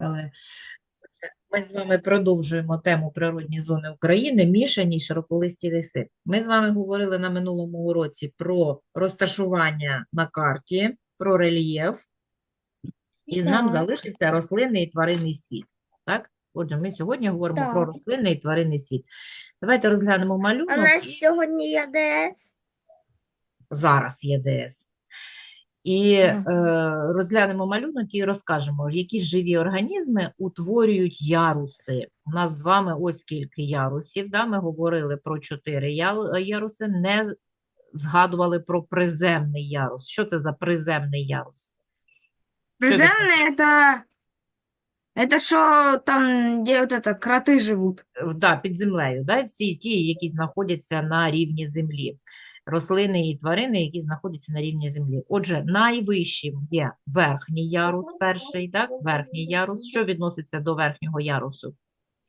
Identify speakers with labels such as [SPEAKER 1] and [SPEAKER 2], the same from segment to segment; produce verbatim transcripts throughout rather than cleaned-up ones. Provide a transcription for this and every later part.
[SPEAKER 1] Але ми з вами продовжуємо тему природні зони України, мішані й широколисті ліси. Ми з вами говорили на минулому уроці про розташування на карті, про рельєф, і нам
[SPEAKER 2] Так,
[SPEAKER 1] залишився рослинний і тваринний світ. Так? Отже, ми сьогодні говоримо про
[SPEAKER 2] так.
[SPEAKER 1] рослинний і тваринний світ. Давайте розглянемо
[SPEAKER 2] А у
[SPEAKER 1] малюнок.
[SPEAKER 2] нас
[SPEAKER 1] І
[SPEAKER 2] сьогодні є ДС.
[SPEAKER 1] зараз є ДС. І
[SPEAKER 2] Ага.
[SPEAKER 1] е, розглянемо малюнок і розкажемо, які живі організми утворюють яруси. У нас з вами ось скільки ярусів. Да? Ми говорили про чотири я- яруси, не згадували про приземний ярус. Що це за приземний ярус? Що він
[SPEAKER 3] Приземные это, это что там, где вот это, кроты живут.
[SPEAKER 1] Е, да, під землею, да? Всі ті, які знаходяться на рівні землі. Рослини і тварини, які знаходяться на рівні землі. Отже, найвищим є верхній ярус, перший, так? Верхній ярус. Що відноситься до верхнього ярусу?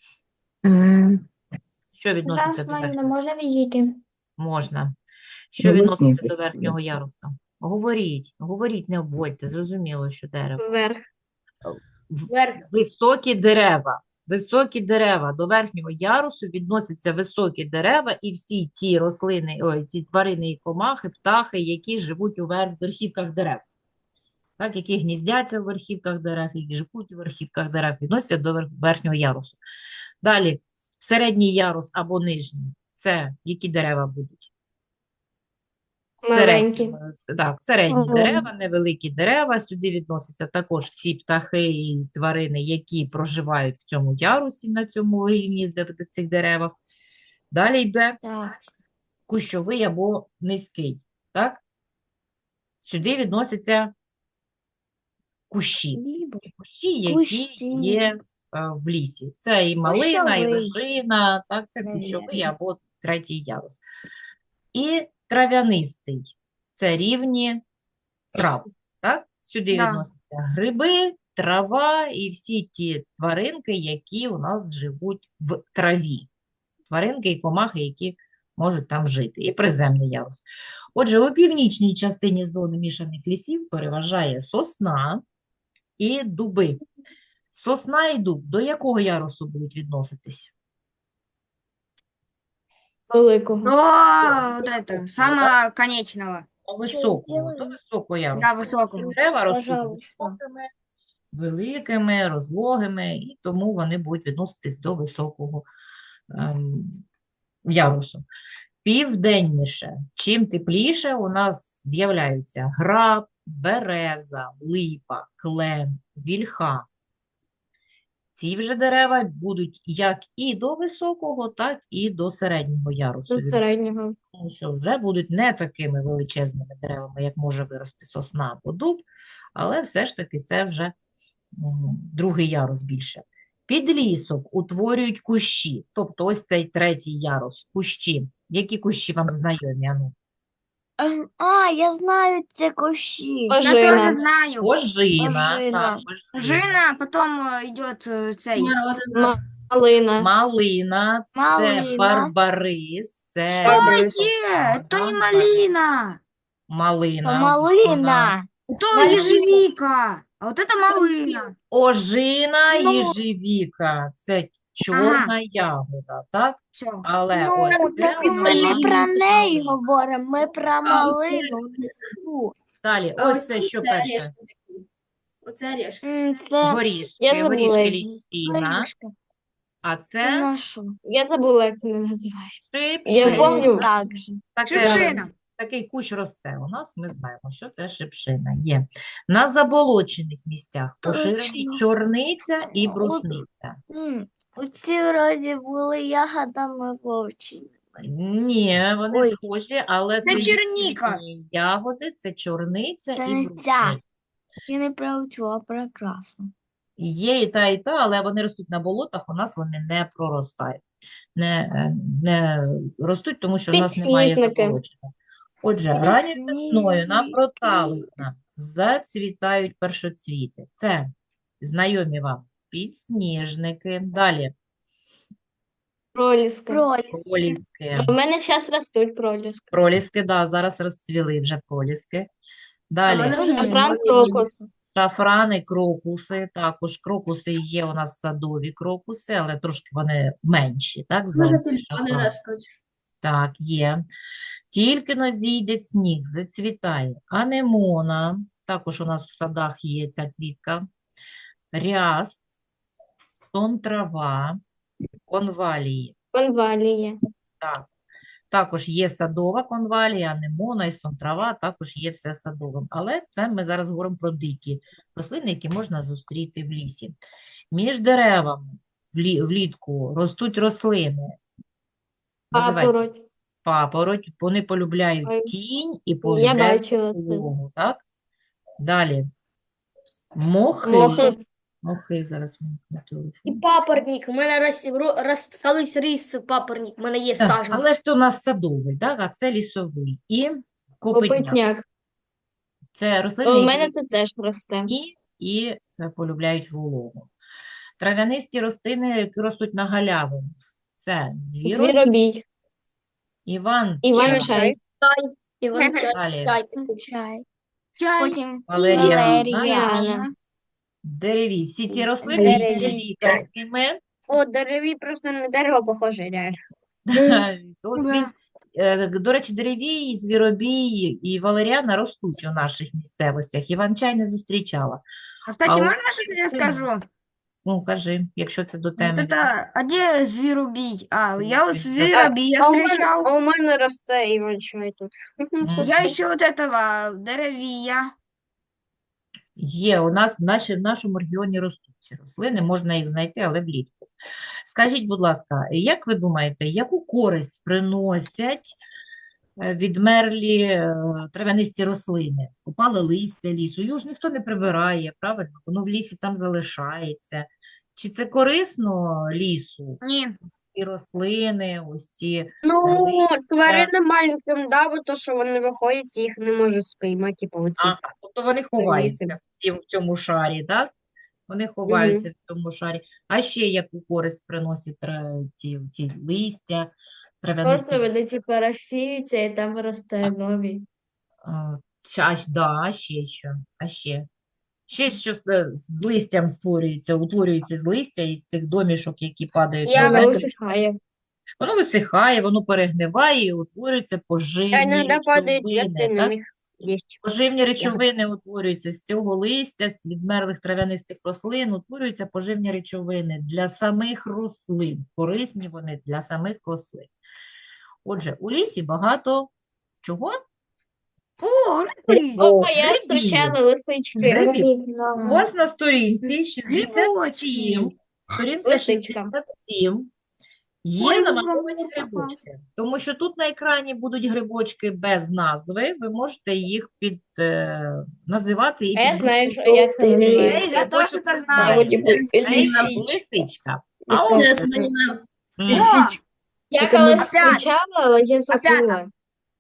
[SPEAKER 1] Що відноситься
[SPEAKER 2] Зараз
[SPEAKER 1] до
[SPEAKER 2] Маріна
[SPEAKER 1] верхнього?
[SPEAKER 2] може відійти.
[SPEAKER 1] Можна. Що відноситься до верхнього ярусу? Говоріть, говоріть, не обводьте, зрозуміло, що дерево.
[SPEAKER 2] Вверх.
[SPEAKER 1] В-
[SPEAKER 3] Вверх.
[SPEAKER 1] Високі дерева. Високі дерева. До верхнього ярусу відносяться високі дерева і всі ті рослини, ой, ті тварини і комахи, птахи, які живуть у вер- верхівках дерев. Так, які гніздяться в верхівках дерев, які живуть у верхівках дерев, відносяться до вер- верхнього ярусу. Далі, середній ярус або нижній. Це які дерева будуть?
[SPEAKER 2] Маленькі.
[SPEAKER 1] Середні, е, так, середні
[SPEAKER 2] Маленькі.
[SPEAKER 1] дерева, невеликі дерева. Сюди відносяться також всі птахи і тварини, які проживають в цьому ярусі, на цьому рівні де- де цих деревах. Далі йде
[SPEAKER 2] Так.
[SPEAKER 1] кущовий або низький. Так? Сюди відносяться кущі. Ці кущі, які
[SPEAKER 2] Кущі.
[SPEAKER 1] є е, в лісі. Це і малина, і
[SPEAKER 2] Кущовий.
[SPEAKER 1] лежина, так, це
[SPEAKER 2] Навірно.
[SPEAKER 1] кущовий або третій ярус. І трав'янистий. Це рівні трав. Так? Сюди
[SPEAKER 3] Да.
[SPEAKER 1] відносяться гриби, трава і всі ті тваринки, які у нас живуть в траві. Тваринки і комахи, які можуть там жити. І приземний ярус. Отже, у північній частині зони мішаних лісів переважає сосна і дуби. Сосна і дуб до якого ярусу будуть відноситись?
[SPEAKER 2] Великого.
[SPEAKER 3] До вот это, самого конечного.
[SPEAKER 1] До високого, до
[SPEAKER 2] зробили?
[SPEAKER 1] високого ярусу.
[SPEAKER 3] Да, високого.
[SPEAKER 1] Дерева ростуть
[SPEAKER 2] Пожалуйста.
[SPEAKER 1] високими, великими, розлогими, і тому вони будуть відноситись до високого ем, ярусу. Південніше, чим тепліше, у нас з'являються граб, береза, липа, клен, вільха. Ці вже дерева будуть як і до високого, так і до середнього ярусу.
[SPEAKER 2] До середнього.
[SPEAKER 1] Тому що вже будуть не такими величезними деревами, як може вирости сосна або дуб, але все ж таки це вже м, другий ярус більше. Підлісок утворюють кущі, тобто ось цей третій ярус, кущі. Які кущі вам знайомі? Ану?
[SPEAKER 2] Ем, А, я знаю ці кущі.
[SPEAKER 3] Я тоже
[SPEAKER 2] Ожина.
[SPEAKER 3] знаю.
[SPEAKER 1] Ожина,
[SPEAKER 2] Ожина.
[SPEAKER 1] так, ожина.
[SPEAKER 3] Жина, потом э, идет э, цей.
[SPEAKER 2] Малина.
[SPEAKER 1] Малина, це
[SPEAKER 2] Малина.
[SPEAKER 1] барбарис, це
[SPEAKER 3] Стойте, это не малина,
[SPEAKER 1] малина,
[SPEAKER 2] Малина.
[SPEAKER 3] это
[SPEAKER 2] Малина.
[SPEAKER 3] ежевика, а вот это малина.
[SPEAKER 1] ожина,
[SPEAKER 2] Ну.
[SPEAKER 1] їжевіка, це чорна ягода, так?
[SPEAKER 3] Все.
[SPEAKER 1] Але
[SPEAKER 2] Ну,
[SPEAKER 1] ось це
[SPEAKER 2] так
[SPEAKER 1] у
[SPEAKER 2] ми
[SPEAKER 1] нас
[SPEAKER 2] не
[SPEAKER 1] малина.
[SPEAKER 2] про неї говоримо, ми про малину.
[SPEAKER 1] Далі, ось це що перше?
[SPEAKER 3] Оце орешки.
[SPEAKER 2] М, Це я
[SPEAKER 1] Горішки,
[SPEAKER 2] забула.
[SPEAKER 1] горішки
[SPEAKER 2] як
[SPEAKER 1] ліщина,
[SPEAKER 2] горішки.
[SPEAKER 1] а
[SPEAKER 2] Це
[SPEAKER 1] це
[SPEAKER 2] на що? Я забула, як вони називаються.
[SPEAKER 1] шипшина.
[SPEAKER 2] Я пам'ятаю так же.
[SPEAKER 1] Таке-
[SPEAKER 3] Шипшина.
[SPEAKER 1] Такий кущ росте у нас, ми знаємо, що це шипшина є. На заболочених місцях поширені
[SPEAKER 2] Точно.
[SPEAKER 1] чорниця і брусниця.
[SPEAKER 2] М, Оці вроді були ягодами вовчі.
[SPEAKER 1] Ні, вони
[SPEAKER 2] Ой.
[SPEAKER 1] схожі, але
[SPEAKER 3] Це
[SPEAKER 1] це
[SPEAKER 3] черніка.
[SPEAKER 1] їхні ягоди, це чорниця
[SPEAKER 2] Це
[SPEAKER 1] і
[SPEAKER 2] не
[SPEAKER 1] брусниця.
[SPEAKER 2] ця. Я не проучу, а прекрасно.
[SPEAKER 1] Є і та, і та, але вони ростуть на болотах, у нас вони не проростають. Не, е, не ростуть, тому що у нас немає
[SPEAKER 2] Підсніжники.
[SPEAKER 1] заболочення. Отже, ранньою
[SPEAKER 2] Підсніжники.
[SPEAKER 1] весною на проталинах зацвітають першоцвіти. Це знайомі вам підсніжники. Далі
[SPEAKER 2] Проліски.
[SPEAKER 1] проліски.
[SPEAKER 2] У мене зараз ростуть проліски.
[SPEAKER 1] Проліски, да, зараз розцвіли вже проліски. Далі
[SPEAKER 3] мене вже
[SPEAKER 2] Франк крокус.
[SPEAKER 1] Шафрани, крокуси. Також крокуси є у нас садові крокуси, але трошки вони менші, так, за
[SPEAKER 4] Може,
[SPEAKER 1] оці
[SPEAKER 4] тюльпани
[SPEAKER 1] шафрани.
[SPEAKER 4] ростуть.
[SPEAKER 1] Так, є. Тільки но зійде сніг, зацвітає. Анемона, також у нас в садах є ця квітка. Ряст, сон трава, конвалії.
[SPEAKER 2] Конвалія.
[SPEAKER 1] Так. Також є садова конвалія, анемона і сон трава, також є все садовим. Але це ми зараз говоримо про дикі рослини, які можна зустріти в лісі. Між деревами влі- влітку ростуть рослини. Називайте.
[SPEAKER 2] Папороть.
[SPEAKER 1] Папороть, вони полюбляють
[SPEAKER 2] Ой,
[SPEAKER 1] тінь і
[SPEAKER 2] Я
[SPEAKER 1] полюбляють
[SPEAKER 2] бачила це.
[SPEAKER 1] вологу, так? Далі. Мохи.
[SPEAKER 2] Мохи.
[SPEAKER 1] Мохи, зараз вимкну
[SPEAKER 4] І
[SPEAKER 1] телефон.
[SPEAKER 4] папоротник. У мене рос, ро- рос, колись ріс папоротник. У мене є
[SPEAKER 1] Так,
[SPEAKER 4] саджанці.
[SPEAKER 1] але ж це у нас садовий, так? А це лісовий. І копитняк.
[SPEAKER 2] Копитняк.
[SPEAKER 1] Це рослини,
[SPEAKER 2] У
[SPEAKER 1] які
[SPEAKER 2] мене це теж росте.
[SPEAKER 1] і, і е, полюбляють вологу. Трав'янисті рослини, які ростуть на галявинах. Це звіробій,
[SPEAKER 2] Звіробій.
[SPEAKER 1] Іван,
[SPEAKER 2] Іван
[SPEAKER 1] чай,
[SPEAKER 2] чай.
[SPEAKER 4] Іван чай.
[SPEAKER 1] далі
[SPEAKER 4] чай.
[SPEAKER 2] Чай.
[SPEAKER 4] Чай.
[SPEAKER 2] Потім
[SPEAKER 1] валеріана,
[SPEAKER 2] валеріана.
[SPEAKER 1] дереві. Всі ці рослини є
[SPEAKER 2] Дереві.
[SPEAKER 1] лікарськими.
[SPEAKER 2] О, дереві просто на дерево похоже, реально.
[SPEAKER 1] От
[SPEAKER 3] Да.
[SPEAKER 1] він, е, до речі, деревій, звіробій і валеріана ростуть у наших місцевостях. Іван-чай не зустрічала.
[SPEAKER 3] А, кстати,
[SPEAKER 1] А у
[SPEAKER 3] можно
[SPEAKER 1] нас
[SPEAKER 3] что-то я
[SPEAKER 1] рослини-
[SPEAKER 3] скажу?
[SPEAKER 1] Ну, кажи, якщо це до
[SPEAKER 3] Вот
[SPEAKER 1] теми.
[SPEAKER 3] это, а где зверобий? А, я вот
[SPEAKER 1] Слушай,
[SPEAKER 3] зверобия
[SPEAKER 2] А у мене,
[SPEAKER 3] встречал.
[SPEAKER 2] а у мене росте Іван чай тут.
[SPEAKER 3] Я еще вот этого деревия.
[SPEAKER 1] Є, у нас наче в нашому регіоні ростуть ці рослини, можна їх знайти, але влітку. Скажіть, будь ласка, як ви думаєте, яку користь приносять е, відмерлі е, трав'янисті рослини? Опале листя лісу, його ж ніхто не прибирає, правильно? Воно в лісі там залишається. Чи це корисно лісу?
[SPEAKER 3] Не,
[SPEAKER 1] І рослини, ось ці.
[SPEAKER 2] Ну,
[SPEAKER 1] листя.
[SPEAKER 2] тваринам маленьким, да, бо то, що вони виходять, і їх не може спіймати, типу, оці.
[SPEAKER 1] Ага, тобто вони ховаються в цім- в цьому шарі, так? Вони ховаються в цьому шарі. А ще яку користь приносять тра- ці, ці листя, трав'янисті?
[SPEAKER 5] Просто вони типу розсіються і там росте нові.
[SPEAKER 1] А, ща- а, щ- да, а ще що? А ще? Ще що з, е, з листям створюється, утворюється з листя із цих домішок, які падають
[SPEAKER 2] Я
[SPEAKER 1] на
[SPEAKER 5] Воно
[SPEAKER 1] землю.
[SPEAKER 5] усихає.
[SPEAKER 1] Воно висихає, воно перегниває і утворюються
[SPEAKER 2] А
[SPEAKER 1] поживні
[SPEAKER 2] іноді падають
[SPEAKER 1] речовини,
[SPEAKER 2] ветки, на
[SPEAKER 1] так?
[SPEAKER 2] них є.
[SPEAKER 1] Поживні речовини утворюються з цього листя, з відмерлих трав'янистих рослин, утворюються поживні речовини для самих рослин. Корисні вони для самих рослин. Отже, у лісі багато чого?
[SPEAKER 3] о, рыбы,
[SPEAKER 2] О, я
[SPEAKER 1] грибів.
[SPEAKER 2] зустрічала лисички.
[SPEAKER 1] Грибів. У вас на сторінці шістдесят
[SPEAKER 3] грибочки.
[SPEAKER 1] сім, сторінка
[SPEAKER 2] Лисичка.
[SPEAKER 1] шістдесят сім, є
[SPEAKER 3] Ой,
[SPEAKER 1] намальовані
[SPEAKER 3] мені
[SPEAKER 1] грибочки. Тому що тут на екрані будуть грибочки без назви, ви можете їх під, е, називати і
[SPEAKER 2] А я
[SPEAKER 1] під
[SPEAKER 2] знаю,
[SPEAKER 1] групу
[SPEAKER 2] що як це
[SPEAKER 1] до
[SPEAKER 2] називається.
[SPEAKER 1] цієї
[SPEAKER 3] Я
[SPEAKER 1] грибочок
[SPEAKER 3] теж це
[SPEAKER 1] називається.
[SPEAKER 3] знаю.
[SPEAKER 1] Лисичка. Лисичка. А от
[SPEAKER 5] Це
[SPEAKER 1] це-
[SPEAKER 5] Сванівна.
[SPEAKER 1] М.
[SPEAKER 3] О,
[SPEAKER 2] Я
[SPEAKER 5] Це
[SPEAKER 2] колись
[SPEAKER 3] опять.
[SPEAKER 2] зустрічала, але я забула.
[SPEAKER 3] Опять.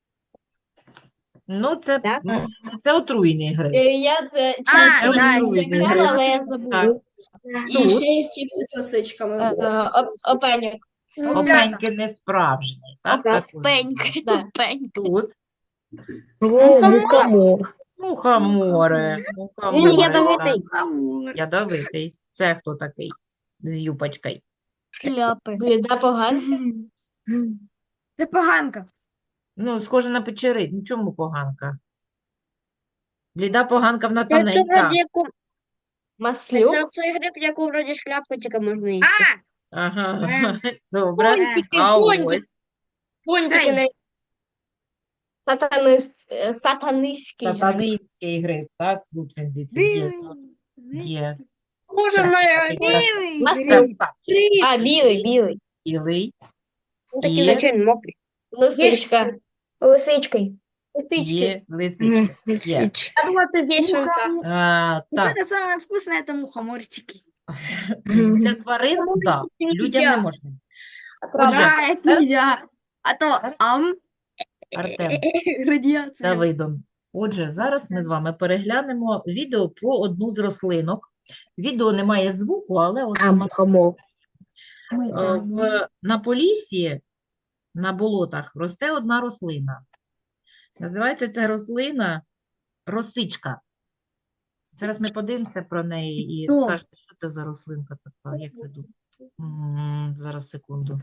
[SPEAKER 1] Ну, це,
[SPEAKER 2] Так?
[SPEAKER 1] м, це отруйний гриб.
[SPEAKER 5] Е, Я це
[SPEAKER 3] А,
[SPEAKER 5] часто
[SPEAKER 3] я
[SPEAKER 5] не
[SPEAKER 1] отруйний
[SPEAKER 5] зустрічала,
[SPEAKER 1] гриб.
[SPEAKER 5] але я
[SPEAKER 1] Так.
[SPEAKER 5] забула. І
[SPEAKER 1] Тут
[SPEAKER 5] ще є чіпси з лисичками.
[SPEAKER 2] Е, е, оп- Опеньок.
[SPEAKER 1] опеньки не справжні, так? також.
[SPEAKER 2] Опеньк.
[SPEAKER 5] Да.
[SPEAKER 2] Опеньк.
[SPEAKER 1] Тут
[SPEAKER 2] Мухомор.
[SPEAKER 1] мухомори,
[SPEAKER 2] Він
[SPEAKER 1] мухомори,
[SPEAKER 2] ядовитий.
[SPEAKER 3] амур.
[SPEAKER 1] ядовитий. Це хто такий з юпочкою?
[SPEAKER 2] Шляпи.
[SPEAKER 5] Бліда погана.
[SPEAKER 3] Це поганка.
[SPEAKER 1] Ну, схоже на печери. Ну, чому поганка? Бліда поганка, вона
[SPEAKER 2] Це, це
[SPEAKER 1] тоненька.
[SPEAKER 2] вроді яку...
[SPEAKER 5] Маслюк.
[SPEAKER 2] Це цей гриб, яку вроді шляпку тільки можна їсти.
[SPEAKER 3] А,
[SPEAKER 1] Ага,
[SPEAKER 3] Е.
[SPEAKER 1] добре.
[SPEAKER 4] Пончики,
[SPEAKER 1] А
[SPEAKER 4] пончики.
[SPEAKER 1] ось
[SPEAKER 4] Пончики
[SPEAKER 3] Цей.
[SPEAKER 4] на
[SPEAKER 5] Сатанист, е, сатанистський гриб.
[SPEAKER 1] сатанинський гриб, так? Тут він дивіться, є.
[SPEAKER 3] білий.
[SPEAKER 1] Є.
[SPEAKER 2] Схоже
[SPEAKER 1] Це
[SPEAKER 2] на
[SPEAKER 1] такий
[SPEAKER 3] Білий.
[SPEAKER 2] Маслюк.
[SPEAKER 1] красавчик.
[SPEAKER 2] А, білий, білий.
[SPEAKER 1] Білий.
[SPEAKER 2] Ну, такі,
[SPEAKER 1] Є.
[SPEAKER 2] звичайно, мокрі.
[SPEAKER 5] Лисичка.
[SPEAKER 4] лисички.
[SPEAKER 1] Є лисичка. Є.
[SPEAKER 4] Я думаю, це вішенка.
[SPEAKER 1] А,
[SPEAKER 3] Вот
[SPEAKER 1] так,
[SPEAKER 3] это самое вкусное, это мухоморчики.
[SPEAKER 1] для тварин, да,
[SPEAKER 4] Це не
[SPEAKER 1] людям не
[SPEAKER 4] нельзя.
[SPEAKER 1] можна.
[SPEAKER 3] Да,
[SPEAKER 1] Отже,
[SPEAKER 3] это нельзя. А то
[SPEAKER 1] Зараз.
[SPEAKER 3] ам,
[SPEAKER 1] Артем,
[SPEAKER 3] радиация.
[SPEAKER 1] Давидом. Отже, зараз ми з вами переглянемо відео про одну з рослинок. Відео не має звуку, але от сама
[SPEAKER 2] мухомор.
[SPEAKER 1] Е, в, на Поліссі, на болотах, росте одна рослина. Називається ця рослина росичка. Зараз ми подивимося про неї і
[SPEAKER 4] Що?
[SPEAKER 1] скажете, що це за рослинка така, як ви думаєте? М, Зараз, секунду.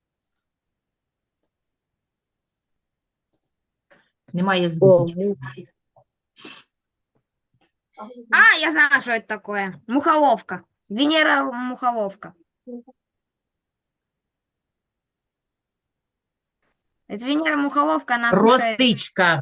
[SPEAKER 1] Немає звуків.
[SPEAKER 3] А, я знаю, что это такое. Мухоловка. Венера мухоловка. Это Венера мухоловка, она кушает.
[SPEAKER 1] Росичка.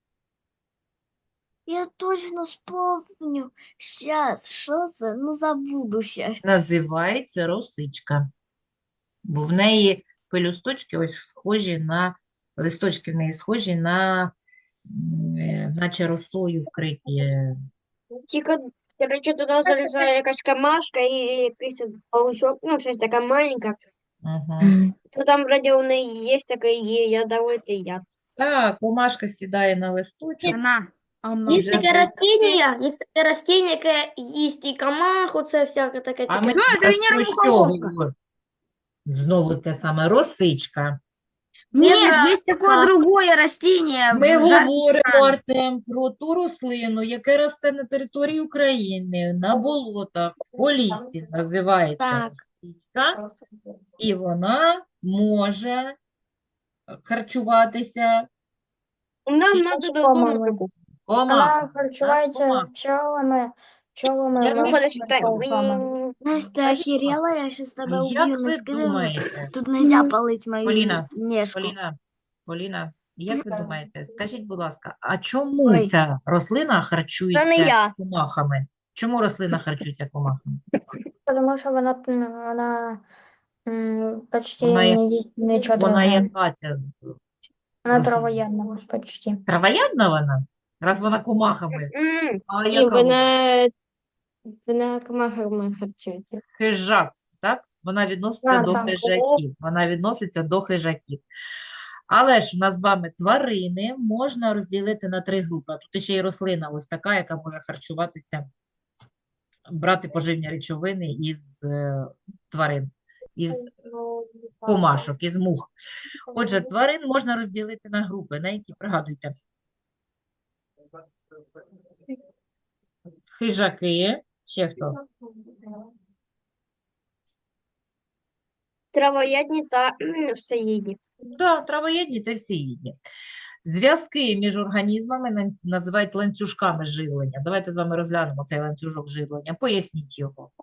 [SPEAKER 2] Я точно вспомню. Сейчас, що це? Ну, забуду щас.
[SPEAKER 1] Називається росичка. Бо в неї пелюсточки ось схожі на, листочки в неї схожі на, м, е, наче росою вкриті.
[SPEAKER 6] Тільки, коротше, туди залізає якась камашка і якийсь паучок, ну, щось таке маленьке.
[SPEAKER 1] Угу.
[SPEAKER 6] То там вроді у неї є такий ядовитий яд.
[SPEAKER 1] Так, комашка сідає на листочок.
[SPEAKER 3] Она. А она.
[SPEAKER 4] Есть
[SPEAKER 1] Вже
[SPEAKER 4] таке
[SPEAKER 1] десь-
[SPEAKER 4] растіння, є таке растіння, яке їсть і комаху, це всяке таке
[SPEAKER 1] А ми
[SPEAKER 4] цікаве.
[SPEAKER 3] Що, це
[SPEAKER 1] зараз
[SPEAKER 3] Венера
[SPEAKER 1] про що
[SPEAKER 3] мухоловка?
[SPEAKER 1] говоримо? Знову те саме, росичка.
[SPEAKER 3] Нет,
[SPEAKER 4] Венера-
[SPEAKER 3] есть такое другое растение.
[SPEAKER 1] Ми
[SPEAKER 3] в жарких
[SPEAKER 1] говоримо,
[SPEAKER 3] странах.
[SPEAKER 1] Артем, про ту рослину, яка росте на території України, на болотах, в поліссі, називається
[SPEAKER 2] Так.
[SPEAKER 1] росичка, і вона може харчуватися
[SPEAKER 6] Нам
[SPEAKER 1] Чи-
[SPEAKER 6] треба додому таку.
[SPEAKER 1] комахами.
[SPEAKER 7] харчується
[SPEAKER 1] комах.
[SPEAKER 7] пчелами, пчелами,
[SPEAKER 1] Як ви
[SPEAKER 6] Виходить, що так.
[SPEAKER 7] пчелками.
[SPEAKER 2] Настя, ти охерела? Я щас тебе
[SPEAKER 1] Як
[SPEAKER 2] уб'ю, не
[SPEAKER 1] ви
[SPEAKER 2] скидай.
[SPEAKER 1] думаєте,
[SPEAKER 2] Тут нельзя палить мою
[SPEAKER 1] Поліна,
[SPEAKER 2] нежку.
[SPEAKER 1] Поліна, Поліна, як ви думаєте, скажіть, будь ласка, а чому
[SPEAKER 2] Ой.
[SPEAKER 1] ця рослина
[SPEAKER 6] Це не
[SPEAKER 1] харчується
[SPEAKER 6] я.
[SPEAKER 1] комахами? Чому рослина харчується комахами?
[SPEAKER 7] Тому що вона, м, вона м, почти
[SPEAKER 1] Вона як-
[SPEAKER 7] не їсть нічого
[SPEAKER 1] Вона
[SPEAKER 7] другого.
[SPEAKER 1] яка ця
[SPEAKER 7] Вона
[SPEAKER 1] рослина?
[SPEAKER 7] травоядна почти.
[SPEAKER 1] Травоядна вона? Раз вона комахами.
[SPEAKER 6] М,
[SPEAKER 1] А
[SPEAKER 5] І
[SPEAKER 1] яка вона?
[SPEAKER 5] вона, вона комахами харчується.
[SPEAKER 1] Хижак, так? Вона відноситься
[SPEAKER 7] Так,
[SPEAKER 1] до
[SPEAKER 7] так.
[SPEAKER 1] хижаків. Вона відноситься до хижаків. Але ж у нас з вами тварини можна розділити на три групи. А тут ще й рослина ось така, яка може харчуватися, брати поживні речовини із е, тварин, із комашок, із мух. Отже, тварин можна розділити на групи, на які, пригадуйте, хижаки, ще хто?
[SPEAKER 6] Травоядні та кхм, всеїдні.
[SPEAKER 1] Да, травоєдні та всеїдні. Зв'язки між організмами нан- називають ланцюжками живлення. Давайте з вами розглянемо цей ланцюжок живлення. Поясніть його.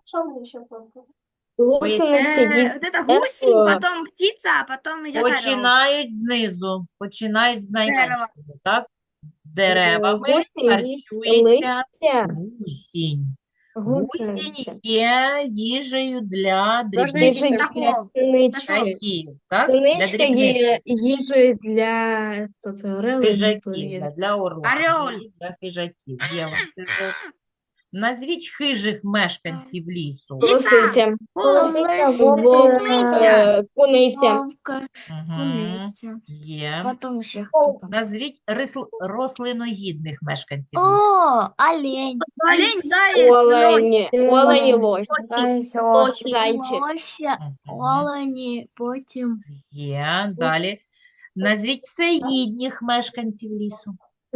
[SPEAKER 5] Гусениці
[SPEAKER 3] Э,
[SPEAKER 5] їсть
[SPEAKER 3] вот это гусень,
[SPEAKER 5] дерево.
[SPEAKER 3] потом птица, а потом идет орел.
[SPEAKER 1] Починають знизу, починають з
[SPEAKER 3] Дерева.
[SPEAKER 1] найменшого, так? Деревами
[SPEAKER 5] Гусінь їсть
[SPEAKER 1] харчується
[SPEAKER 5] листя.
[SPEAKER 1] гусінь. Гусінь
[SPEAKER 5] Гусениці.
[SPEAKER 1] є їжею для
[SPEAKER 6] Можна
[SPEAKER 1] дрібних
[SPEAKER 6] їсти
[SPEAKER 5] Їжа
[SPEAKER 3] птахов.
[SPEAKER 5] для синички.
[SPEAKER 1] птахів, так? Для
[SPEAKER 5] Синичка
[SPEAKER 1] дрібних
[SPEAKER 5] є їжею для що це, орели,
[SPEAKER 1] хижаків,
[SPEAKER 5] є.
[SPEAKER 1] для, для орла,
[SPEAKER 3] Орел.
[SPEAKER 1] і для хижаків. Є ланцюжок. Назвіть хижих мешканців лісу.
[SPEAKER 5] Лисиця,
[SPEAKER 7] Лисиця,
[SPEAKER 2] Лис,
[SPEAKER 7] вовк,
[SPEAKER 3] Куниця.
[SPEAKER 5] е, куниця,
[SPEAKER 2] Вовка,
[SPEAKER 1] Угу.
[SPEAKER 2] куниця.
[SPEAKER 1] Є.
[SPEAKER 2] Потім ще хто там?
[SPEAKER 1] Назвіть рисл- рослиноїдних мешканців лісу.
[SPEAKER 2] О, олень,
[SPEAKER 3] Олень, заяц, лось.
[SPEAKER 5] олень, олень і лось,
[SPEAKER 7] Заяць, ось.
[SPEAKER 5] зайчик,
[SPEAKER 2] лося,
[SPEAKER 1] Мгм.
[SPEAKER 2] олені, потім
[SPEAKER 1] Є. Далі. Назвіть всеїдніх мешканців лісу.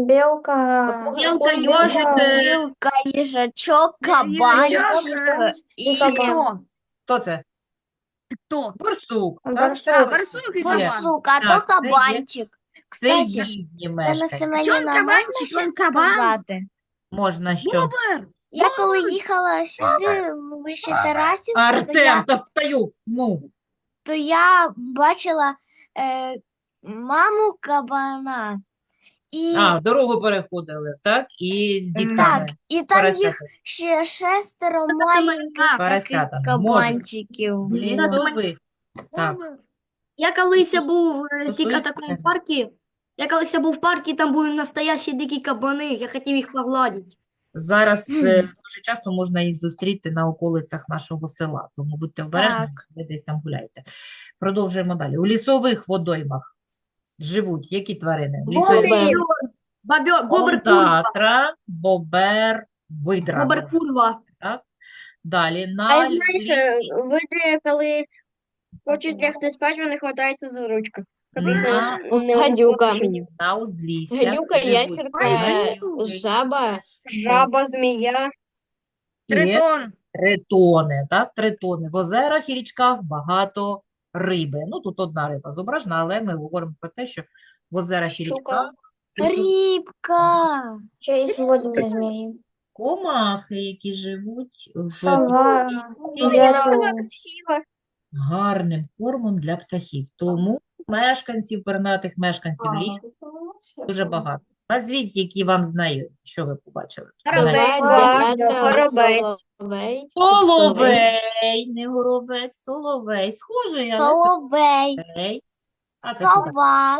[SPEAKER 7] Білка,
[SPEAKER 4] Білка, йожик, е,
[SPEAKER 2] білка, їжачок,
[SPEAKER 3] Їжачок,
[SPEAKER 2] кабанчик
[SPEAKER 3] І
[SPEAKER 2] і
[SPEAKER 3] кто?
[SPEAKER 1] Хто це?
[SPEAKER 3] Кто?
[SPEAKER 1] Борсук. Так?
[SPEAKER 7] Барсук.
[SPEAKER 3] А, барсук и кабан.
[SPEAKER 2] борсук, а
[SPEAKER 1] Так,
[SPEAKER 2] то
[SPEAKER 1] це є.
[SPEAKER 2] кабанчик. Кстати,
[SPEAKER 1] Всеїдні
[SPEAKER 2] Тана
[SPEAKER 1] мешканці.
[SPEAKER 2] Семенівна, можна
[SPEAKER 3] кабанчик,
[SPEAKER 2] щось
[SPEAKER 3] він кабан.
[SPEAKER 2] сказати?
[SPEAKER 1] Можна що?
[SPEAKER 3] Бобр.
[SPEAKER 2] Я коли їхала сюди, в вище Тарасівку, то
[SPEAKER 1] Артем,
[SPEAKER 2] я,
[SPEAKER 1] та встаю. Ну.
[SPEAKER 2] то я бачила е, маму кабана. І,
[SPEAKER 1] А, дорогу переходили, так? І з дітками.
[SPEAKER 2] так, і там їх
[SPEAKER 1] Поросята.
[SPEAKER 2] ще шестеро маленьких таких
[SPEAKER 1] Поросята.
[SPEAKER 2] кабанчиків.
[SPEAKER 1] В
[SPEAKER 2] було.
[SPEAKER 1] лісових. Так.
[SPEAKER 4] Я колись був е, тільки
[SPEAKER 1] Стосується
[SPEAKER 4] такому
[SPEAKER 1] тебе.
[SPEAKER 4] парку. Я колись був в парку, там були настоящі дикі кабани, я хотів їх погладити.
[SPEAKER 1] Зараз е, дуже часто можна їх зустріти на околицях нашого села, тому будьте обережні,
[SPEAKER 2] Так.
[SPEAKER 1] ви десь там гуляєте. Продовжуємо далі. У лісових водоймах живуть які тварини? У лісових
[SPEAKER 4] Бобер, бобр курва,
[SPEAKER 1] татра, бобер, видра.
[SPEAKER 4] бобр курва.
[SPEAKER 1] Так? Далі на
[SPEAKER 6] А знаєш,
[SPEAKER 1] лісі-
[SPEAKER 6] види, коли хочуть лягти спати, вони хватаються за ручку.
[SPEAKER 1] на,
[SPEAKER 6] Не
[SPEAKER 5] Гадюка.
[SPEAKER 6] узгоджені.
[SPEAKER 1] на узліссях
[SPEAKER 5] Гадюка,
[SPEAKER 1] живуть
[SPEAKER 5] ящерка,
[SPEAKER 1] гадюки,
[SPEAKER 5] жаба.
[SPEAKER 6] Жаба, змія.
[SPEAKER 1] і
[SPEAKER 3] Тритон.
[SPEAKER 1] тритони, так, тритони. В озерах і річках багато риби. Ну, тут одна риба зображена, але ми говоримо про те, що в озерах і
[SPEAKER 6] Щука.
[SPEAKER 1] річках
[SPEAKER 2] Рибка.
[SPEAKER 7] Ще є водні змії.
[SPEAKER 1] комахи, які живуть в
[SPEAKER 7] Сова,
[SPEAKER 6] Ой, яка сама
[SPEAKER 7] дятел.
[SPEAKER 6] красива.
[SPEAKER 1] гарним кормом для птахів. Тому мешканців, пернатих мешканців лісу дуже багато. Назвіть, які вам знайомі. Що ви побачили?
[SPEAKER 3] Горобець.
[SPEAKER 6] Два, горобець.
[SPEAKER 5] Соловей.
[SPEAKER 1] Соловей, не горобець, соловей. Схожий, але це
[SPEAKER 2] Соловей.
[SPEAKER 1] соловей. А це хто так?
[SPEAKER 2] Сова.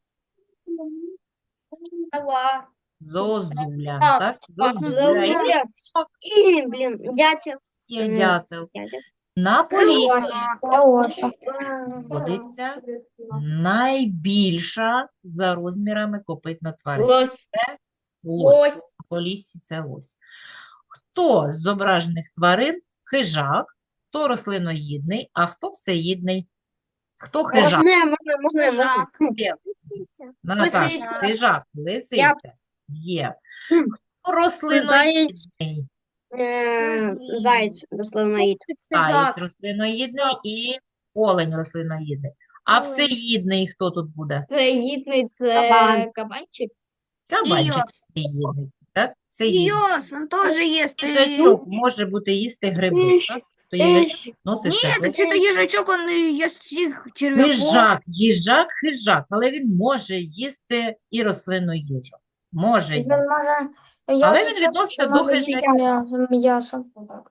[SPEAKER 3] Сова.
[SPEAKER 1] Зозуля,
[SPEAKER 3] Так,
[SPEAKER 1] так?
[SPEAKER 3] так.
[SPEAKER 1] Зозуля. І
[SPEAKER 6] Зозуля. І, блін, дятел.
[SPEAKER 1] є
[SPEAKER 6] Мгм.
[SPEAKER 1] дятел.
[SPEAKER 6] Дятел.
[SPEAKER 1] На Поліссі
[SPEAKER 7] Леоша.
[SPEAKER 1] знаходиться найбільша за розмірами копитна тварина.
[SPEAKER 5] Лось.
[SPEAKER 1] Лось.
[SPEAKER 3] Лось.
[SPEAKER 1] На Поліссі це лось. Хто з зображених тварин хижак, хто рослиноїдний, а хто всеїдний? Хто хижак?
[SPEAKER 6] Можна, можна, можна, можна.
[SPEAKER 3] Хижак.
[SPEAKER 1] Є. Наташа,
[SPEAKER 3] Лисиця.
[SPEAKER 1] хижак, лисиця. Є.
[SPEAKER 6] Хм.
[SPEAKER 1] Хто рослиноїдний?
[SPEAKER 6] Е, Заєць, рослиноїд.
[SPEAKER 1] Заєць
[SPEAKER 3] Хижак.
[SPEAKER 1] рослиноїдний і олень рослиноїдний. А всеїдний хто тут буде?
[SPEAKER 5] Це гідний, це
[SPEAKER 6] Кабан.
[SPEAKER 5] кабанчик.
[SPEAKER 1] Кабанчик
[SPEAKER 3] Йош.
[SPEAKER 1] всеїдний. Так? Всеїдний.
[SPEAKER 3] Еж, он тоже ест. и-
[SPEAKER 1] Їжачок може бути їсти гриби, так? То їжачок відноситься
[SPEAKER 3] Нет,
[SPEAKER 1] до
[SPEAKER 3] это ежачок, он и ест всех червяков.
[SPEAKER 1] хижак, їжак, хижак, але він може їсти і рослинну їжу. Може
[SPEAKER 7] Він
[SPEAKER 1] їсти.
[SPEAKER 7] може
[SPEAKER 1] Але він
[SPEAKER 7] ящичок,
[SPEAKER 1] відноситься
[SPEAKER 7] що
[SPEAKER 1] до
[SPEAKER 7] може їсти
[SPEAKER 1] хижаків.
[SPEAKER 7] м'ясо. М'ясо.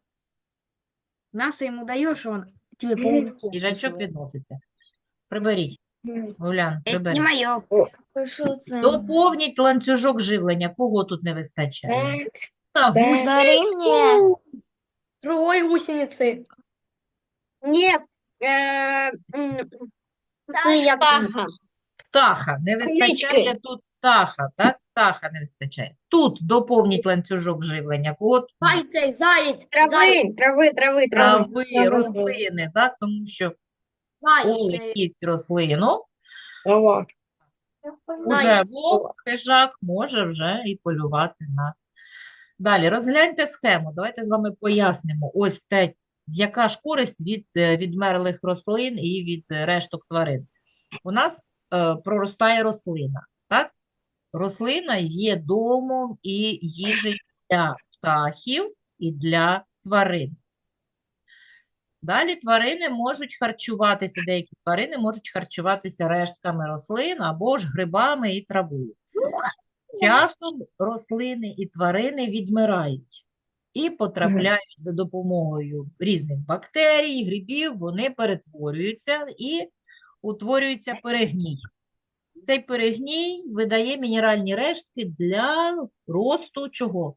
[SPEAKER 3] Мясо ему даешь, он тебе пауков
[SPEAKER 1] Їжачок
[SPEAKER 3] посылает.
[SPEAKER 1] відноситься. Приберіть, Улян,
[SPEAKER 3] Это
[SPEAKER 1] прибери.
[SPEAKER 3] не мое.
[SPEAKER 2] Що це?
[SPEAKER 1] Доповніть ланцюжок живлення. Кого тут не вистачає? На гусь,
[SPEAKER 2] Зарівнює.
[SPEAKER 4] Другой гусеницы.
[SPEAKER 6] Ні. Е, м, Це як
[SPEAKER 5] Птаха.
[SPEAKER 1] птаха. Не вистачає
[SPEAKER 5] Клички.
[SPEAKER 1] тут птаха, так? Птаха не вистачає. Тут доповніть ланцюжок живлення. Кого тут?
[SPEAKER 4] Заяц, заяц, заяц,
[SPEAKER 6] трави, трави, трави, трави.
[SPEAKER 1] Трави, рослини, так? Тому що олень
[SPEAKER 4] заяц.
[SPEAKER 1] їсть рослину,
[SPEAKER 5] Ого.
[SPEAKER 1] уже
[SPEAKER 4] Заяць.
[SPEAKER 1] вовк, хижак може вже і полювати на. Далі, розгляньте схему. Давайте з вами пояснимо. Ось те, яка ж користь від е, відмерлих рослин і від е, решток тварин. У нас е, проростає рослина, так? Рослина є домом і їжею для птахів і для тварин. Далі тварини можуть харчуватися, деякі тварини можуть харчуватися рештками рослин або ж грибами і травою. Часом рослини і тварини відмирають і потрапляють за допомогою різних бактерій, грибів, вони перетворюються і утворюється перегній. Цей перегній видає мінеральні рештки для росту чого?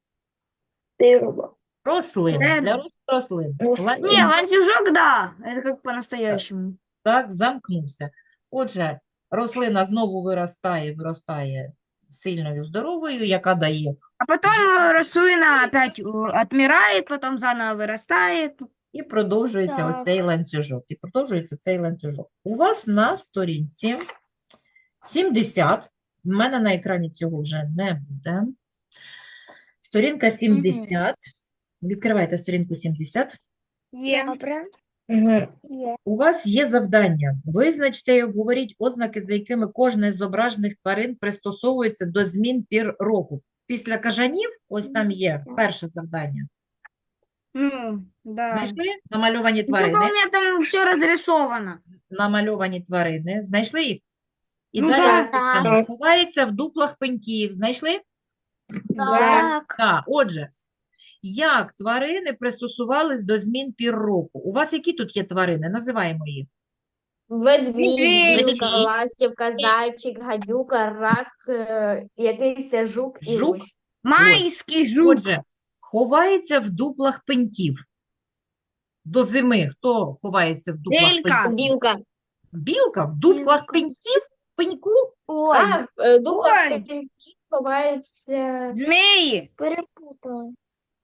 [SPEAKER 1] Рослин.
[SPEAKER 3] Дерева.
[SPEAKER 1] Для росту рослин.
[SPEAKER 3] Не,
[SPEAKER 1] Ланцюжок
[SPEAKER 3] ланцюжок, да. Это как по-настоящему.
[SPEAKER 1] так замкнувся. Отже, рослина знову виростає, виростає сильною, здоровою, яка дає
[SPEAKER 3] А потом э, рослина опять э, отмирает, потом заново вырастает.
[SPEAKER 1] і продовжується ось
[SPEAKER 2] Так.
[SPEAKER 1] цей ланцюжок. І продовжується цей ланцюжок. У вас на сторінці сімдесят, в мене на екрані цього вже не буде. Сторінка сімдесят. Відкривайте сторінку сімдесят.
[SPEAKER 3] Е.
[SPEAKER 2] Добре. Є.
[SPEAKER 1] У вас є завдання. Визначте і обговоріть ознаки, за якими кожна з зображених тварин пристосовується до змін пір року. Після кажанів, ось там є перше завдання.
[SPEAKER 3] Ну, да.
[SPEAKER 1] Знайшли намальовані
[SPEAKER 3] Ну, только у
[SPEAKER 1] тварини?
[SPEAKER 3] меня там все разрисовано.
[SPEAKER 1] Намальовані тварини. Знайшли їх? І
[SPEAKER 3] Ну,
[SPEAKER 1] далі
[SPEAKER 3] да.
[SPEAKER 1] написано, ховаються в дуплах пеньків. Знайшли?
[SPEAKER 2] Так.
[SPEAKER 1] Так. Отже, як тварини пристосувались до змін пір року? У вас які тут є тварини? Називаємо їх.
[SPEAKER 5] Ведмідь,
[SPEAKER 3] Медведь.
[SPEAKER 5] білка, ластівка, зайчик, гадюка, рак, е, якийсь жук і
[SPEAKER 1] Жук?
[SPEAKER 5] лось.
[SPEAKER 3] Майский жук.
[SPEAKER 1] Отже, ховається в дуплах пеньків. До зими хто ховається в дуплах
[SPEAKER 3] Белька.
[SPEAKER 1] пеньків?
[SPEAKER 6] Білка.
[SPEAKER 1] Білка в дуплах
[SPEAKER 2] Білка.
[SPEAKER 1] пеньків? Пеньку?
[SPEAKER 2] Ой,
[SPEAKER 5] А, в дуплах
[SPEAKER 3] Ой.
[SPEAKER 5] пеньків ховається
[SPEAKER 3] Змеи.
[SPEAKER 2] перепутала.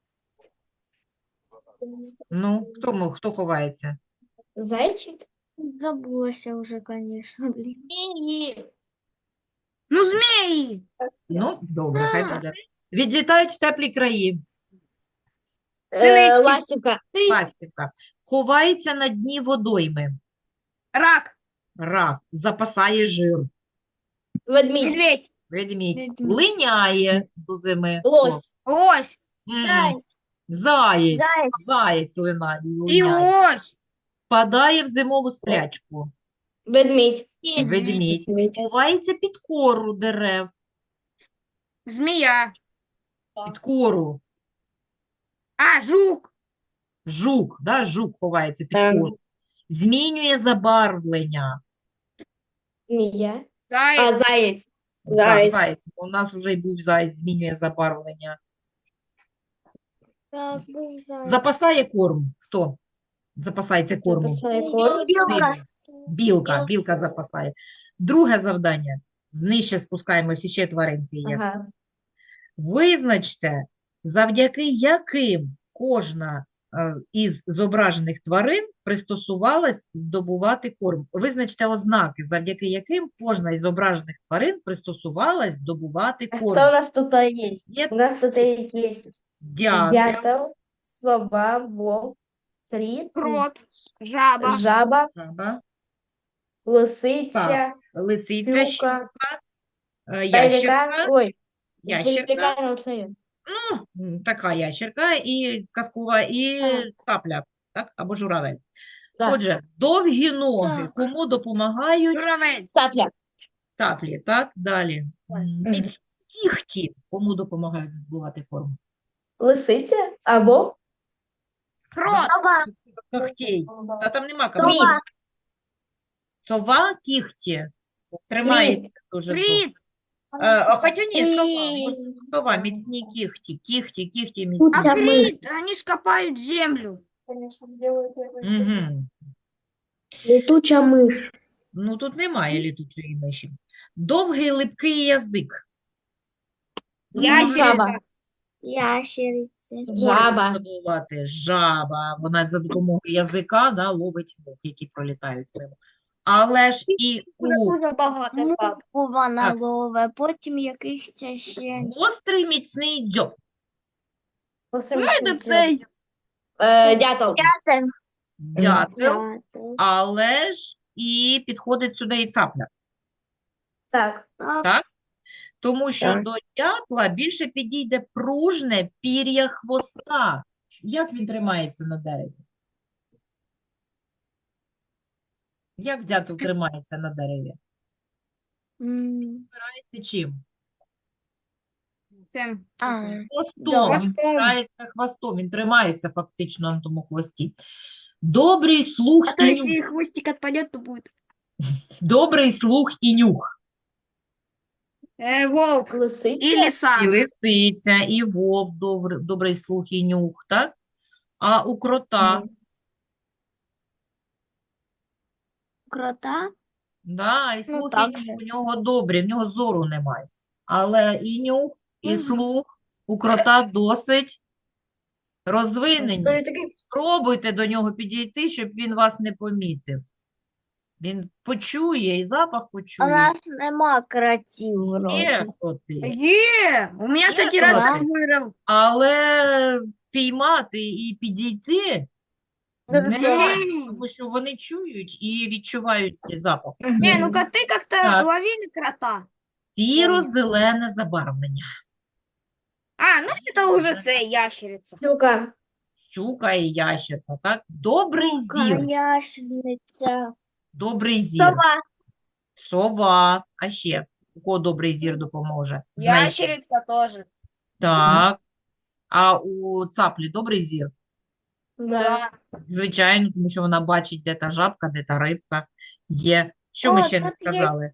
[SPEAKER 1] Ну, хто, мо- хто ховається?
[SPEAKER 5] зайчик.
[SPEAKER 2] Забулася вже, звісно, блін.
[SPEAKER 3] Ну, змеи.
[SPEAKER 1] Ну, добре, хай буде. Відлітають в теплі краї.
[SPEAKER 6] Е,
[SPEAKER 3] Синички.
[SPEAKER 6] ластівка.
[SPEAKER 1] Ластівка. Ховається на дні водойми.
[SPEAKER 3] Рак.
[SPEAKER 1] Рак. Запасає жир.
[SPEAKER 6] Ведмідь.
[SPEAKER 3] Медведь.
[SPEAKER 1] Ведмідь.
[SPEAKER 2] Ведмідь.
[SPEAKER 1] Линяє до зими.
[SPEAKER 6] Лось.
[SPEAKER 3] Лось.
[SPEAKER 1] Мгм. Заєць.
[SPEAKER 2] Заєць.
[SPEAKER 1] Заєць лина-
[SPEAKER 3] И
[SPEAKER 1] линяє.
[SPEAKER 3] ось.
[SPEAKER 1] Впадає в зимову сплячку.
[SPEAKER 6] Ведмідь.
[SPEAKER 1] Ведмідь. Ховається під кору дерев.
[SPEAKER 3] Змея.
[SPEAKER 1] Під кору.
[SPEAKER 3] А, жук.
[SPEAKER 1] Жук. Да? Жук ховається під
[SPEAKER 6] Ем.
[SPEAKER 1] кору. Змінює забарвлення.
[SPEAKER 6] Змія. А,
[SPEAKER 3] Заяц.
[SPEAKER 6] заєць.
[SPEAKER 1] Так,
[SPEAKER 6] Заєць.
[SPEAKER 1] заєць. У нас вже й був заєць, змінює забарвлення.
[SPEAKER 2] Так, був заяць.
[SPEAKER 1] Запасає корм. Хто запасається кормом?
[SPEAKER 6] Запасає корм.
[SPEAKER 2] Білка.
[SPEAKER 1] Білка. Білка запасає. Друге завдання. Нижче спускаємося, ще тваринки є.
[SPEAKER 6] Ага.
[SPEAKER 1] Визначте, завдяки яким кожна е, із зображених тварин пристосувалась здобувати корм. Визначте ознаки, завдяки яким кожна із зображених тварин пристосувалась здобувати
[SPEAKER 6] А
[SPEAKER 1] корм.
[SPEAKER 6] хто у нас тут є?
[SPEAKER 1] Є
[SPEAKER 6] У нас тут є
[SPEAKER 1] дятел,
[SPEAKER 6] дятел, сова, вовк, кріт,
[SPEAKER 3] Крот. Жаба.
[SPEAKER 6] жаба,
[SPEAKER 1] жаба,
[SPEAKER 6] лисиця,
[SPEAKER 1] так, лисиця,
[SPEAKER 6] щука,
[SPEAKER 1] щука, е,
[SPEAKER 6] пелікан.
[SPEAKER 1] ящерка,
[SPEAKER 6] Ой,
[SPEAKER 1] ящерка,
[SPEAKER 6] пелікан оце.
[SPEAKER 1] ну, м, така ящерка і казкова, і цапля, так, або журавель.
[SPEAKER 6] Так.
[SPEAKER 1] Отже, довгі ноги
[SPEAKER 2] Так.
[SPEAKER 1] кому допомагають?
[SPEAKER 3] Журавель.
[SPEAKER 6] Цапля.
[SPEAKER 1] Цаплі, так, далі. М,
[SPEAKER 6] Мгм.
[SPEAKER 1] Міцні кігті кому допомагають здобувати корм?
[SPEAKER 6] Лисиця або
[SPEAKER 3] Крот.
[SPEAKER 2] Сова.
[SPEAKER 1] Когтей. Та там нема
[SPEAKER 2] Сова.
[SPEAKER 1] кого. Сова, кігті. Тримається дуже довго.
[SPEAKER 3] Крит.
[SPEAKER 1] Е, а хоча ні, сова,
[SPEAKER 2] І-
[SPEAKER 1] може, сова, міцні кігті, кігті, кігті
[SPEAKER 3] А
[SPEAKER 1] міцні.
[SPEAKER 3] крит, они ж копают землю.
[SPEAKER 1] Угу.
[SPEAKER 2] Летуча миш.
[SPEAKER 1] Ну, тут немає літучої миші. Довгий липкий язик.
[SPEAKER 3] Ящерица.
[SPEAKER 2] Ящериця.
[SPEAKER 6] жаба.
[SPEAKER 1] Забувати жаба. Вона за допомогою язика, да, ловить мух, які пролітають мимо. Але ж і у
[SPEAKER 4] Дуже багато, пап.
[SPEAKER 2] Муку вона
[SPEAKER 1] Так.
[SPEAKER 2] лове, потім якихось ще.
[SPEAKER 1] гострий міцний дзьоб.
[SPEAKER 3] Это цей.
[SPEAKER 6] Е, Дятел.
[SPEAKER 2] Дятел.
[SPEAKER 1] Дятел, але ж і підходить сюди і цапля.
[SPEAKER 6] Так.
[SPEAKER 1] Так? Тому що
[SPEAKER 6] Так.
[SPEAKER 1] до дятла більше підійде пружне пір'я хвоста. Як він тримається на дереві? Як дятел тримається на дереві?
[SPEAKER 2] М,
[SPEAKER 1] Це чим?
[SPEAKER 3] Цим.
[SPEAKER 2] А,
[SPEAKER 1] Хвостом. Він
[SPEAKER 3] Хвостом.
[SPEAKER 1] тримається хвостом. Він тримається фактично на тому хвості. Добрий слух
[SPEAKER 3] А то
[SPEAKER 1] і
[SPEAKER 3] если
[SPEAKER 1] нюх.
[SPEAKER 3] хвостик отпадет, то будет.
[SPEAKER 1] Добрий слух і нюх.
[SPEAKER 3] Э, волк.
[SPEAKER 6] Лисиця.
[SPEAKER 3] И лиса.
[SPEAKER 1] І лисиця, і вовк, добр- добрий слух і нюх, так? А у крота,
[SPEAKER 6] Мгм.
[SPEAKER 2] крота.
[SPEAKER 1] да, і
[SPEAKER 2] Ну,
[SPEAKER 1] слух, і
[SPEAKER 2] так
[SPEAKER 1] нюх
[SPEAKER 2] же.
[SPEAKER 1] у нього добрі, в нього зору немає. Але і нюх, і
[SPEAKER 2] Мгм.
[SPEAKER 1] слух у крота досить розвинені.
[SPEAKER 6] Той такий
[SPEAKER 1] Спробуйте до нього підійти, щоб він вас не помітив. Він почує і запах
[SPEAKER 2] У
[SPEAKER 1] почує.
[SPEAKER 2] нас нема кротів вроді.
[SPEAKER 1] Є коти.
[SPEAKER 3] Е, у меня,
[SPEAKER 1] Є
[SPEAKER 3] кстати, раз
[SPEAKER 1] кроти.
[SPEAKER 3] так вырыл.
[SPEAKER 1] Але піймати і підійти
[SPEAKER 6] Дуже
[SPEAKER 1] не
[SPEAKER 6] складно.
[SPEAKER 1] можна, тому що вони чують і відчувають цей запах.
[SPEAKER 3] Не, ну коты как-то
[SPEAKER 1] Так.
[SPEAKER 3] ловили крота.
[SPEAKER 1] Сіро-зелене забарвлення.
[SPEAKER 3] А, ну это уже цей ящерица.
[SPEAKER 6] Щука.
[SPEAKER 1] Щука і ящерка, так? Добрий зір.
[SPEAKER 2] Ящериця.
[SPEAKER 1] Добрий зір.
[SPEAKER 2] Сова.
[SPEAKER 1] Сова. А ще у кого добрий зір допоможе? Знайти.
[SPEAKER 3] Ящерица тоже.
[SPEAKER 1] Так. А у цаплі добрий зір?
[SPEAKER 6] Да.
[SPEAKER 1] Звичайно, тому що вона бачить, де та жабка, де та рибка є. Що ми
[SPEAKER 2] О,
[SPEAKER 1] ще не
[SPEAKER 2] тут є
[SPEAKER 1] сказали?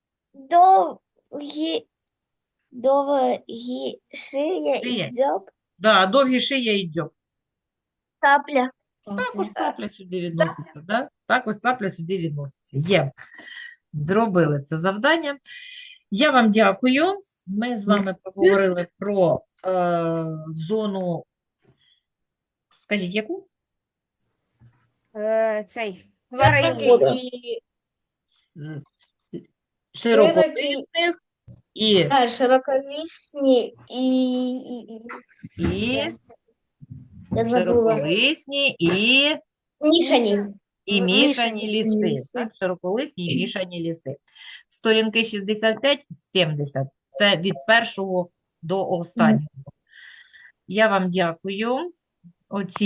[SPEAKER 2] Довгі, довгі шия
[SPEAKER 1] Шия.
[SPEAKER 2] і дзьоб.
[SPEAKER 1] Да, довгі шия і дзьоб.
[SPEAKER 2] Цапля.
[SPEAKER 1] Також цапля сюди відноситься, да? Також цапля сюди відноситься. Є. Зробили це завдання. Я вам дякую. Ми з вами поговорили про е, зону, скажіть, яку?
[SPEAKER 3] Э, цей. Тварини.
[SPEAKER 5] і
[SPEAKER 1] М, Широколисних і,
[SPEAKER 5] да, широколісні і, і, і,
[SPEAKER 1] і
[SPEAKER 5] я забула.
[SPEAKER 1] широколисні і,
[SPEAKER 5] Мішані.
[SPEAKER 1] і
[SPEAKER 3] М,
[SPEAKER 1] мішані
[SPEAKER 3] мішані.
[SPEAKER 1] ліси.
[SPEAKER 5] Ліси.
[SPEAKER 1] Так, широколисні і мішані ліси. Сторінки шістдесят п'ять сімдесят. Це від першого до останнього. Я вам дякую. Оці